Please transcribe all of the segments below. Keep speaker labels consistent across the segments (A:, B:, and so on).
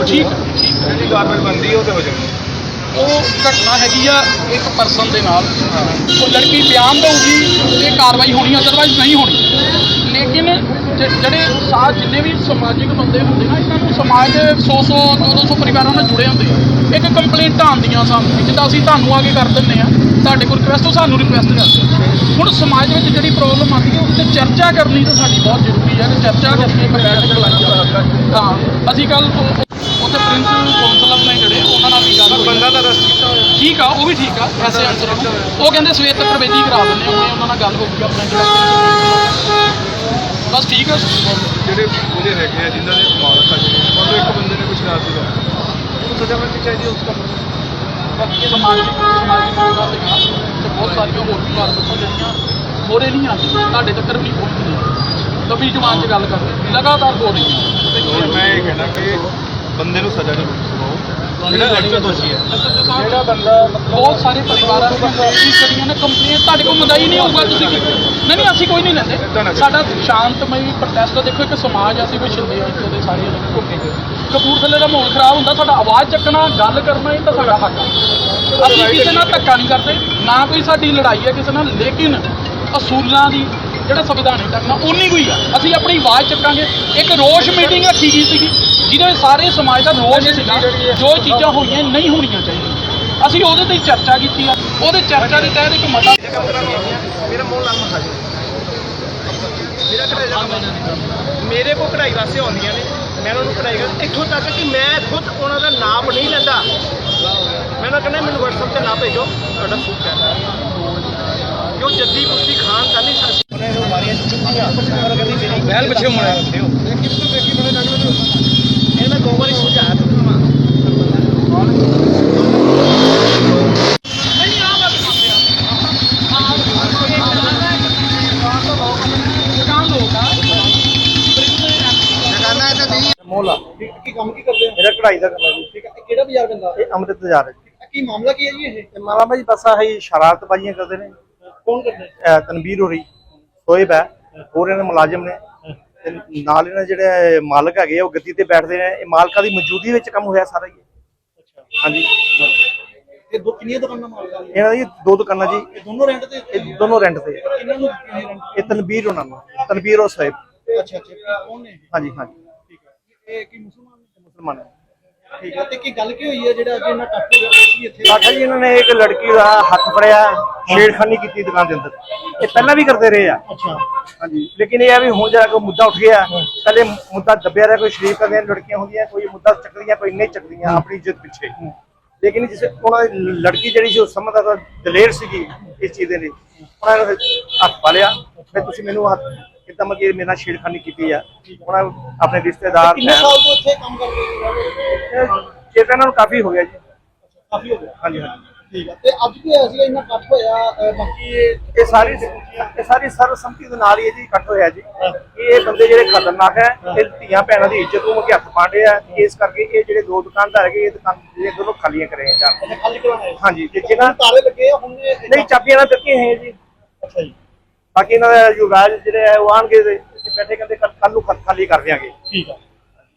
A: ठीक है
B: कार्रवाई बनती है हो जाए
A: घटना हैगी आ एक परसन के नाल वो लड़की बयान देगी तो कार्रवाई होनी अदरवाइज नहीं होनी लेकिन ਜਿਹੜੇ जिन्ने भी समाजिक बंदे होंगे ना इन्होंने समाज के 100-200 परिवारों ਨਾਲ जुड़े होंगे एक कंप्लेंटा आंदियां सानू जिद्दां ਅਸੀਂ ਤੁਹਾਨੂੰ आ के कर ਦਿੰਦੇ ਆ ਤੁਹਾਡੇ ਕੋਲ ਰਿਕੁਐਸਟ ਸਾਨੂੰ ਰਿਕੁਐਸਟ ਕਰਦੇ ਹੁਣ ਸਮਾਜ ਵਿੱਚ ਜਿਹੜੀ ਪ੍ਰੋਬਲਮ ਆਉਂਦੀ ਹੈ ਉਸ ਤੇ ਚਰਚਾ ਕਰਨੀ ਤਾਂ ਸਾਡੀ ਬਹੁਤ ਜ਼ਰੂਰੀ ਹੈ ਕਿ ਚਰਚਾ ਕਰਕੇ ਇੱਕ ਬੈਠਕ ਲਾਈ ਜਾਵੇ ਹਾਂ ਅਸੀਂ ਕੱਲ ਉੱਥੇ ਪ੍ਰਿੰਸੀਪਲ ਕਾਉਂਸਲਰ ਨੇ ਜਿਹੜੇ ਉਹਨਾਂ ਨਾਲ ਵੀ ਗੱਲ
B: ਬੰਦਾ ਦਾ ਰਸਤ ਕੀਤਾ ਹੋਇਆ
A: ਠੀਕ ਆ ਉਹ ਵੀ ਠੀਕ ਆ ਐਸੇ ਆਨਸਰ ਉਹ ਕਹਿੰਦੇ ਸਵੇਰ ਤੱਕ ਪ੍ਰਵੇਦੀ ਕਰਾ ਦਿੰਦੇ ਉਹਨੇ ਉਹਨਾਂ ਨਾਲ ਗੱਲ ਹੋਊਗੀ ਆਪਣੇ ਜਿਹੜਾ ਬਸ ਠੀਕ ਆ
B: ਜਿਹੜੇ ਉਹਦੇ ਹੈਗੇ ਆ ਜਿਨ੍ਹਾਂ ਦੇ ਮਾਲਕ ਆ ਜਿਹੜੇ ਮਤਲਬ ਇੱਕ ਬੰਦੇ ਨੇ ਕੁਝ ਰਾਤ ਦਾ ਉਹਨੂੰ ਸਜ਼ਾ ਮਿਲਣੀ ਚਾਹੀਦੀ ਉਸ ਕੰਮ ਨੂੰ
A: ਬਾਕੀ ਸਮਾਜਿਕ ਮੁੱਦਾ ਸੀਗਾ ਤੇ ਬਹੁਤ ਸਾਰੀਆਂ ਹੋਰ ਵੀ ਗੱਲ ਦੱਸੋ ਜਿਹੜੀਆਂ ਮੋਰੇ ਨਹੀਂ ਆਉਂਦੀਆਂ ਤੁਹਾਡੇ ਤੱਕ ਵੀ ਨਹੀਂ ਪਹੁੰਚਦੀਆਂ ਲੰਬੀ ਜ਼ੁਬਾਨ 'ਚ ਗੱਲ ਕਰਦੇ ਲਗਾਤਾਰ ਹੋ ਰਹੀਆਂ
B: ਮੈਂ ਇਹ ਕਹਿਣਾ ਕਿ ਬੰਦੇ ਨੂੰ ਸਜ਼ਾ ਨਹੀਂ ਮਿਲਣੀ ਜਿਹੜਾ ਐਕਚੁਅਲ ਦੋਸ਼ੀ ਹੈ ਜਿਹੜਾ ਬੰਦਾ
A: ਬਹੁਤ ਸਾਰੇ ਪਰਿਵਾਰਾਂ ਦੀਆਂ ਜਿਹੜੀਆਂ ਨੇ ਕੰਪਲੇਂਟ ਤੁਹਾਡੇ ਕੋਲ ਮਦਾਈ ਨਹੀਂ ਹੋਊਗਾ ਤੁਸੀਂ ਨਹੀਂ ਅਸੀਂ ਕੋਈ ਨਹੀਂ ਲੈਂਦੇ ਸਾਡਾ ਸ਼ਾਂਤਮਈ ਪ੍ਰੋਟੈਸਟ ਦੇਖੋ ਇੱਕ ਸਮਾਜ ਅਸੀਂ ਕੋਈ ਛਿੰਦੇ ਆ ਇੱਥੇ ਦੇ ਸਾਰੇ ਕਪੂਰਥਲੇ ਦਾ ਮਾਹੌਲ ਖਰਾਬ ਹੁੰਦਾ ਸਾਡਾ ਆਵਾਜ਼ ਚੱਕਣਾ ਗੱਲ ਕਰਨਾ ਇਹ ਤਾਂ ਸਾਡਾ ਹੱਕ ਹੈ ਅਸੀਂ ਕਿਸੇ ਨਾਲ ਧੱਕਾ ਨਹੀਂ ਕਰਦੇ ਨਾ ਕੋਈ ਸਾਡੀ ਲੜਾਈ ਹੈ ਕਿਸੇ ਨਾਲ ਲੇਕਿਨ ਅਸੂਲਾਂ ਦੀ ਜਿਹੜਾ ਸੰਵਿਧਾਨਿਕ ਢੰਗ ਨਾਲ ਉਨੀ ਕੋਈ ਆ ਅਸੀਂ ਆਪਣੀ ਆਵਾਜ਼ ਚੱਕਾਂਗੇ ਇੱਕ ਰੋਸ਼ ਮੀਟਿੰਗ ਰੱਖੀ ਗਈ ਸੀਗੀ ਜਿਹਦੇ ਸਾਰੇ ਸਮਾਜ ਦਾ ਰੋਸ਼ ਸੀਗਾ ਜੋ ਚੀਜ਼ਾਂ ਹੋਈਆਂ ਨਹੀਂ ਹੋਣੀਆਂ ਚਾਹੀਦੀਆਂ ਅਸੀਂ ਉਹਦੇ ਤੇ ਚਰਚਾ ਕੀਤੀ ਆ ਉਹਦੇ ਚਰਚਾ ਦੇ ਤਹਿਤ ਇੱਕ ਮਤਾ
B: ਮੇਰਾ ਮੋਹ ਨਾਲ ਮਖਾ ਜੀ ਮੇਰਾ ਕਢਾਈ ਮੇਰੇ ਕੋਲ ਕਢਾਈ ਵਾਸਤੇ ਆਉਂਦੀਆਂ ਨੇ ਮੈਂ ਉਹਨਾਂ ਨੂੰ ਕਢਾਈ ਕਰ ਇੱਥੋਂ ਤੱਕ ਕਿ ਮੈਂ ਖੁਦ ਉਹਨਾਂ ਦਾ ਨਾਪ ਨਹੀਂ ਲੈਂਦਾ ਮੈਂ ਨਾ ਕਹਿੰਦਾ ਮੈਨੂੰ WhatsApp ਤੇ ਨਾ ਭੇਜੋ ਤੁਹਾਡਾ ਸੂਟ ਹੈ ਕਿਉਂ ਜੱਦੀ ਕੁਸ਼ਤੀ ਖਾਨ ਤਾਂ ਨਹੀਂ ਸਕਦੀ ਮਾਰੀਆਂ ਚੁੱਕੀਆਂ ਪਰ ਕਹਿੰਦੀ ਮੇਰੀ ਬਹਿਲ ਪਿੱਛੇ ਹੋਣਾ ਇਹ ਮੈਂ ਦੋ ਵਾਰੀ ਸਮਝਾਇਆ ਤੁਹਾਨੂੰ ਮੋਲਾ ਕੀ ਕੰਮ ਕੀ ਕਰਦੇ ਹੋ ਮੇਰਾ ਕਢਾਈ ਦਾ ਕਰਨਾ ਜੀ ਠੀਕ ਹੈ ਕਿਹੜਾ ਬਾਜ਼ਾਰ ਪੈਂਦਾ ਇਹ ਅੰਮ੍ਰਿਤ ਬਾਜ਼ਾਰ ਹੈ ਜੀ ਕੀ ਮਾਮਲਾ ਕੀ ਹੈ ਜੀ ਇਹ ਮਾਮਲਾ ਭਾਈ ਬਸ ਆਹੀ ਸ਼ਰਾਰਤਬਾਜ਼ੀਆਂ ਕਰਦੇ ਨੇ ਕੌਣ ਕਰਦੇ ਤਨਵੀਰ ਹੋ ਰਹੀ ਸੋਇਬ ਹੈ ਹੋਰ ਇਹਨਾਂ ਮੁਲਾਜ਼ਮ ਨੇ ਤੇ ਨਾਲ ਇਹਨਾਂ ਜਿਹੜੇ ਮਾਲਕ ਹੈਗੇ ਉਹ ਗੱਦੀ ਤੇ ਬੈਠਦੇ ਨੇ ਇਹ ਮਾਲਕਾਂ ਦੀ ਮੌਜੂਦਗੀ ਵਿੱਚ ਕੰਮ ਹੋਇਆ ਸਾਰਾ ਹੀ ਅੱਛਾ ਹਾਂਜੀ ਇਹ ਦੋ ਕਿੰਨੀਆਂ ਦੁਕਾਨਾਂ ਮਾਲਕਾਂ ਦੀਆਂ ਇਹਨਾਂ ਦੀ ਦੋ ਦੁਕਾਨਾਂ ਜੀ ਇਹ ਦੋਨੋਂ ਰੈਂਟ ਤੇ ਇਹਨਾਂ ਨੂੰ ਇਹ ਤਨਵੀਰ ਉਹਨਾਂ ਨੂੰ ਤਨਵੀਰ ਉਹ ਸੋਇਬ ਅੱਛਾ ਕੌਣ ਨੇ ਹਾਂਜੀ ਹਾਂਜੀ ਇਹ ਕੀ ਮੁਸਲਮਾਨ ਹੈ ਠੀਕ ਹੈ ਤੇ ਕੀ ਗੱਲ ਕੀ ਹੋਈ ਹੈ ਜਿਹੜਾ ਅੱਜ ਇਹਨਾਂ ਟੱਪ ਹੋ ਗਿਆ ਸੀ ਇੱਥੇ ਆਖਿਆ ਜੀ ਇਹਨਾਂ ਨੇ ਇੱਕ ਲੜਕੀ ਦਾ ਹੱਥ ਫੜਿਆ ਛੇੜਖਾਨੀ ਕੀਤੀ ਦੁਕਾਨ ਦੇ ਅੰਦਰ ਇਹ ਪਹਿਲਾਂ ਵੀ ਕਰਦੇ ਰਹੇ ਆ ਅੱਛਾ ਹਾਂਜੀ ਲੇਕਿਨ ਇਹ ਆ ਵੀ ਹੁਣ ਜਿਹੜਾ ਕੋਈ ਮੁੱਦਾ ਉੱਠ ਗਿਆ ਪਹਿਲੇ ਮੁੱਦਾ ਦੱਬਿਆ ਰਿਹਾ ਕੋਈ ਸ਼ਰੀਫ ਕਰਦੀਆਂ ਲੜਕੀਆਂ ਹੁੰਦੀਆਂ ਕੋਈ ਮੁੱਦਾ ਚੱਕਦੀਆਂ ਕੋਈ ਨਹੀਂ ਚੱਕਦੀਆਂ ਆਪਣੀ ਇੱਜ਼ਤ ਪਿੱਛੇ ਲੇਕਿਨ ਜਿਸ ਉਹਨਾਂ ਦੀ ਲੜਕੀ ਜਿਹੜੀ ਸੀ ਉਹ ਸਮਝਦਾ ਦਲੇਰ ਸੀਗੀ ਇਸ ਚੀਜ਼ ਦੇ ਲਈ ਉਹਨਾਂ ਨੇ ਹੱਥ ਪਾ ਲਿਆ ਫਿਰ ਤੁਸੀਂ ਮੈਨੂੰ ਹੱਥ ਕਿੱਦਾਂ ਮਤਲਬ ਮੇਰੇ ਨਾਲ ਛੇੜਖਾਨੀ ਕੀਤੀ ਆ ਉਹਨਾਂ ਆਪਣੇ ਰਿਸ਼ਤੇਦਾਰ ਕਿੰਨੇ ਸਾਲ ਤੋਂ ਇੱਥੇ ਕੰਮ ਕਰਦੇ ਹੋ ਇਹਨਾਂ ਨੂੰ ਕਾਫੀ ਹੋ ਗਿਆ ਜੀ ਕਾਫੀ ਹੋ ਗਿਆ ਹਾਂਜੀ ਹਾਂਜੀ ਠੀਕ ਹੈ ਤੇ ਅੱਜ ਕੀ ਹੋਇਆ ਸੀ ਇੰਨਾ ਇਕੱਠ ਹੋਇਆ ਬਾਕੀ ਇਹ ਸਾਰੀ ਸਰਬਸੰਮਤੀ ਦੇ ਨਾਲ ਹੀ ਜੀ ਇਕੱਠ ਹੋਇਆ ਜੀ ਇਹ ਬੰਦੇ ਜਿਹੜੇ ਖਤਰਨਾਕ ਹੈ ਇਹ ਧੀਆਂ ਭੈਣਾਂ ਦੀ ਇੱਜ਼ਤ ਨੂੰ ਹੱਥ ਪਾਉਂਦੇ ਆ ਇਸ ਕਰਕੇ ਇਹ ਜਿਹੜੇ ਦੋ ਦੁਕਾਨਦਾਰ ਹੈਗੇ ਇਹ ਦੁਕਾਨ ਜਿਹੜੇ ਦੋਨੋਂ ਖਾਲੀਆਂ ਕਰੇ ਆ ਖਾਲੀ ਕਰਵਾਏ ਹਾਂਜੀ ਤੇ ਜਿਹਨਾਂ ਤਾਲੇ ਲੱਗੇ ਹੁਣ ਨਹੀਂ ਚਾਬੀਆਂ ਨਾਲ ਦਿੱਤੀਆਂ ਹੈ ਜੀ ਅੱਛਾ ਜੀ ਬਾਕੀ ਇਹਨਾਂ ਦਾ ਯੁਵਰਾਜ ਜਿਹੜੇ ਹੈ ਉਹ ਆਣਗੇ ਬੈਠੇ ਕਹਿੰਦੇ ਕੱਲ ਨੂੰ ਖਾਲੀ ਕਰ ਦਿਆਂਗੇ ਠੀਕ ਹੈ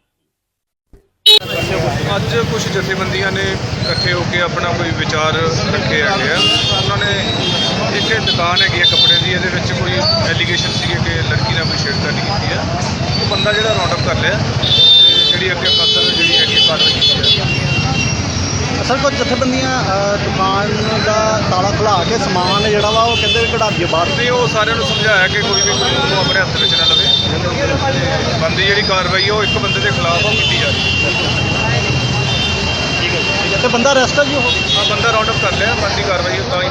B: ਅੱਜ ਕੁਝ ਜਥੇਬੰਦੀਆਂ ਨੇ ਇਕੱਠੇ ਹੋ ਕੇ ਆਪਣਾ ਕੋਈ ਵਿਚਾਰ ਰੱਖੇ ਹੈਗੇ ਆ ਉਹਨਾਂ ਨੇ ਇੱਕ ਦੁਕਾਨ ਹੈਗੀ ਹੈ ਕੱਪੜੇ ਦੀ ਇਹਦੇ ਵਿੱਚ ਕੋਈ ਐਲੀਗੇਸ਼ਨ ਸੀਗੇ ਕਿ ਲੜਕੀ ਨਾਲ ਕੋਈ ਛੇੜਖਾਨੀ ਕੀਤੀ ਹੈ ਉਹ ਬੰਦਾ ਜਿਹੜਾ ਰਾਉਂਡ ਅਪ ਕਰ ਲਿਆ ਤੇ ਜਿਹੜੀ ਅੱਗੇ ਫਸਲ ਜਿਹੜੀ ਹੈਗੀ ਕਾਰਵਾਈ ਕੀਤੀ ਹੈ
C: ਅਸਲ ਕੁਝ ਜਥੇਬੰਦੀਆਂ ਦੁਕਾਨ ਦਾ ਤਾਲਾ ਖੁਲਾ ਕੇ ਸਮਾਨ ਜਿਹੜਾ ਵਾ ਉਹ ਕਹਿੰਦੇ ਵੀ ਕਢਾ ਦਈਏ ਬਾਹਰ
B: ਤੇ ਉਹ ਸਾਰਿਆਂ ਨੂੰ ਸਮਝਾਇਆ ਕਿ ਕੋਈ ਵੀ ਕਾਨੂੰਨ ਨੂੰ ਆਪਣੇ ਹੱਥ ਵਿੱਚ ਨਾ ਲਵੇ ਬੰਦੀ ਜਿਹੜੀ ਕਾਰਵਾਈ ਉਹ ਇੱਕ ਬੰਦੇ ਦੇ ਖਿਲਾਫ ਉਹ ਕੀਤੀ ਜਾ ਰਹੀ
C: ਠੀਕ ਹੈ ਤੇ ਬੰਦਾ ਅਰੈਸਟ ਹੈ ਜੀ
B: ਹਾਂ ਬੰਦਾ ਰਾਉਂਡ ਅਪ ਕਰ ਲਿਆ ਬੰਦੀ ਕਾਰਵਾਈ ਤਾਂ ਹੀ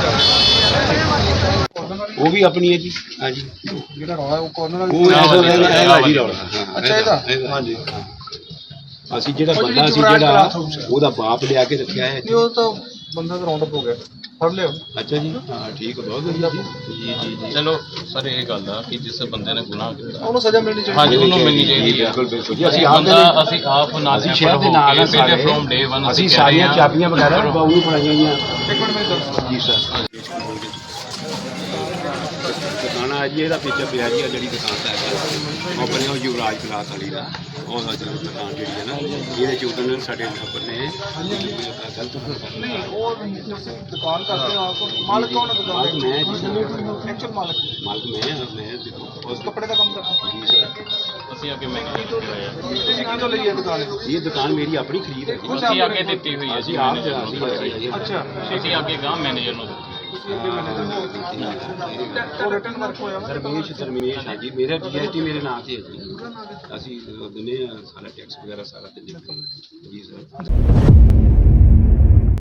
B: ਕਰ
D: ਉਹ ਵੀ ਆਪਣੀ ਹੈ ਜੀ ਹਾਂਜੀ
B: ਜਿਹੜਾ ਰੌਲਾ ਉਹ ਕੋਰਨਰ
D: ਉਹ ਜੀ ਰੌਲਾ
B: ਅੱਛਾ ਇਹਦਾ
D: ਹਾਂਜੀ ਅਸੀਂ ਜਿਹੜਾ ਬੰਦਾ ਸੀ ਜਿਹੜਾ ਉਹਦਾ ਬਾਪ ਲਿਆ ਕੇ ਰੱਖਿਆ ਹੈ
B: ਉਹ ਤਾਂ ਬੰਦਾ ਤਾਂ ਰਾਉਂਡ ਅਪ ਹੋ ਗਿਆ ਫੜ ਲਿਓ
D: ਅੱਛਾ ਜੀ ਹਾਂ ਠੀਕ ਬਹੁਤ ਵਧੀਆ ਜੀ ਜੀ
E: ਚਲੋ ਸਰ ਇਹ ਗੱਲ ਆ ਕਿ ਜਿਸ ਬੰਦੇ ਨੇ ਗੁਨਾਹ ਕੀਤਾ
B: ਉਹਨੂੰ ਸਜ਼ਾ ਮਿਲਣੀ ਚਾਹੀਦੀ
E: ਹਾਂਜੀ ਉਹਨੂੰ ਮਿਲਣੀ ਚਾਹੀਦੀ ਹੈ
D: ਬਿਲਕੁਲ ਜੀ
E: ਅਸੀਂ ਆਪ ਨਾਲ
D: ਅਸੀਂ ਸ਼ਹਿਰ ਦੇ ਨਾਲ ਸਾਰੇ
E: ਫਰੋਮ ਡੇ 1
D: ਅਸੀਂ ਸਾਰੀਆਂ ਚਾਬੀਆਂ ਵਗੈਰਾ ਬਾਊ ਨੂੰ ਫੜਾਈਆਂ ਗਈਆਂ
B: ਇੱਕ ਮਿੰਟ ਮੇਰੀ ਗੱਲ
D: ਜੀ ਸਰ ਦੁਕਾਨਾਂ ਜੀ ਇਹਦਾ ਪਿੱਛੇ ਪਿਆ ਜੀ ਜਿਹੜੀ ਦੁਕਾਨ ਦਾ ਹੈਗਾ ਆਪਣੇ ਉਹ ਯੁਵਰਾਜ ਕਲਾਸ ਵਾਲੀ ਦਾ ਉਹਦਾ ਜਿਹੜੀ ਦੁਕਾਨ ਜਿਹੜੀ ਹੈ ਨਾ ਇਹਦੇ ਚ ਉਦੋਂ ਸਾਡੇ ਨੰਬਰ ਨੇ ਗਲਤ
B: ਨਹੀਂ ਉਹ ਦੁਕਾਨ ਕਰਦੇ ਹੋ ਆਪ ਮਾਲਕ ਕੌਣ ਹੈ ਦੁਕਾਨ
D: ਮਾਲਕ ਮੈਂ ਜੀ
B: ਐਕਚੁਅਲ ਮਾਲਕ
D: ਮਾਲਕ ਮੈਂ
B: ਉਸ ਕੱਪੜੇ ਦਾ ਕੰਮ ਕਰਦਾ
D: ਜੀ ਸਰ
E: ਅਸੀਂ ਅੱਗੇ ਮੈਂ
B: ਤੁਸੀਂ ਕਿੱਥੋਂ ਲਈ ਹੈ ਦੁਕਾਨ
D: ਇਹ ਦੁਕਾਨ ਮੇਰੀ ਆਪਣੀ ਖਰੀਦ ਹੈ ਜੀ
E: ਅਸੀਂ ਅੱਗੇ ਦਿੱਤੀ ਹੋਈ ਹੈ
D: ਅਸੀਂ
E: ਜੀ
D: ਆਪ
E: ਮੈਨੇਜਰ
B: ਅੱਛਾ
E: ਅਸੀਂ ਅੱਗੇ ਗਾਂ ਮੈਨੇਜਰ ਨੂੰ ਦਿੱਤੀ
B: ਤੁਸੀਂ ਅੱਗੇ ਮੈਨੇਜਰ ਉਹ ਰਿਟਰਨ ਵਰਕ ਹੋਇਆ ਵਾ
D: ਦਰਮੇਸ਼ ਹੈ ਜੀ ਮੇਰਾ GST ਮੇਰੇ ਨਾਂ ਤੇ ਹੈ ਜੀ ਅਸੀਂ ਦਿੰਦੇ ਹਾਂ ਸਾਰਾ ਟੈਕਸ ਵਗੈਰਾ ਸਾਰਾ ਦਿੰਦੇ ਹਾਂ ਜੀ ਸਰ